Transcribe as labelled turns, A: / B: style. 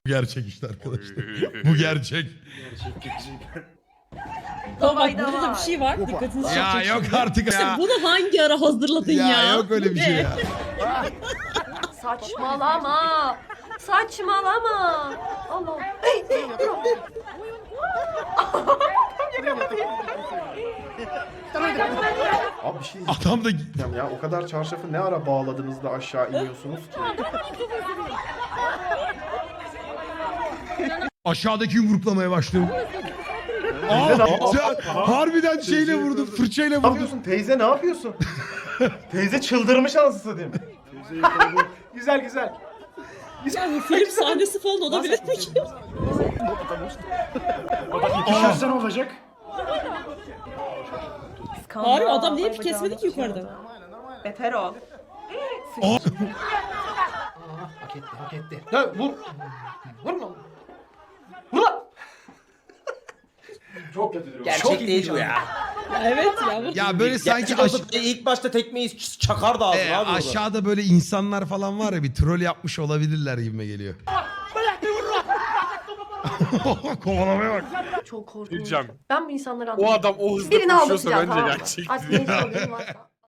A: Gerçek işte arkadaşlar. Bu gerçek.
B: Tamam bak burada da bir şey var. Dikkatinizi çekecek.
A: Ya yok
B: şimdi.
A: artık
B: İşte
A: ya.
B: bunu hangi ara hazırladın ya?
A: Ya yok öyle bir şey ya.
C: Saçmalama. Saçmalama. Allah.
D: Abi bir şey
A: Adam da
D: diyeceğim ya. O kadar çarşafı ne ara bağladınız da aşağı iniyorsunuz ki?
A: aşağıdaki yumruklamaya başladı. Harbiden şeyle vurdu, fırçayla
D: Ne
A: vurdu.
D: yapıyorsun teyze, ne yapıyorsun? Teyze çıldırmış anasını satayım. Güzel güzel.
B: Ya bu film sahnesi falan olabilir mi ki?
E: İkişersen olacak.
B: Harbi adam niye bir kesmedi ki yukarıda?
C: Beter ol.
E: Hak etti, hak etti. Ya vur. Vurma. Vur lan. Çok kötü durum.
F: Gerçek değil bu ya.
B: Evet ya. Bu...
A: Ya böyle sanki
F: Gerçek olsa ilk başta tekmeyi çakar da ağzına abi.
A: aşağıda böyle insanlar falan var ya, bir troll yapmış olabilirler gibime geliyor. Kovalamaya bak.
C: Çok korkunç.
G: Diyeceğim.
C: Ben bu insanları
G: O
C: anlamıyorum.
G: adam o hızla
C: Birini
G: koşuyorsa
C: aldatacağım,
G: bence
C: tamam mı?
G: gerçek
C: Artık
G: değil.
C: neyse haberim varsa.